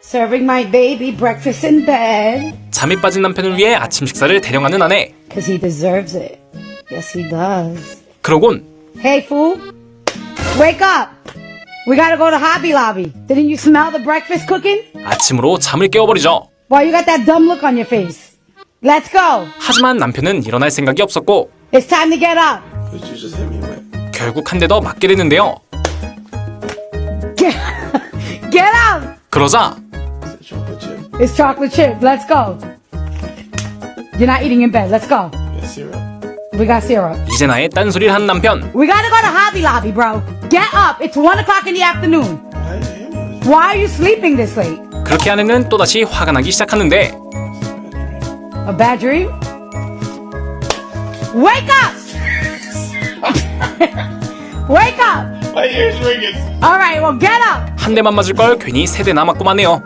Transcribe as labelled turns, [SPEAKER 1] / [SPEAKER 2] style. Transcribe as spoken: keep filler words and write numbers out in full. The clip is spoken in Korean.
[SPEAKER 1] Serving my baby breakfast in bed.
[SPEAKER 2] 잠이 빠진 남편을 위해 아침 식사를 대령하는 아내.
[SPEAKER 1] Cause he deserves it. Yes, he does.
[SPEAKER 2] 그러곤
[SPEAKER 1] Hey, fool. Wake up. We gotta go to Hobby Lobby. Didn't you smell the breakfast cooking?
[SPEAKER 2] 아침으로 잠을 깨워버리죠.
[SPEAKER 1] Why you got that dumb look on your face? Let's go.
[SPEAKER 2] 하지만 남편은 일어날 생각이 없었고
[SPEAKER 1] It's time to get up.
[SPEAKER 3] But you just hit me with.
[SPEAKER 2] 결국 한 대 더 맞게 되는데요.
[SPEAKER 1] Get, get up.
[SPEAKER 2] 그러자
[SPEAKER 3] Is it chocolate chip?
[SPEAKER 1] It's chocolate chip. Let's go. You're not eating in bed. Let's go.
[SPEAKER 3] You got syrup?
[SPEAKER 1] We got syrup.
[SPEAKER 2] 이제 나의 딴소리를 한 남편.
[SPEAKER 1] We gotta go to Hobby Lobby, bro. Get up. It's one o'clock in the afternoon.
[SPEAKER 3] Why did you hit me with
[SPEAKER 1] Why are you sleeping this late?
[SPEAKER 2] 그렇게 아내는 또다시 화가 나기 시작하는데
[SPEAKER 1] A bad dream? Wake up! Wake up!
[SPEAKER 3] My ears ringing.
[SPEAKER 1] All right, well, get up.
[SPEAKER 2] 한 대만 맞을 걸 괜히 세 대나 맞고 마네요.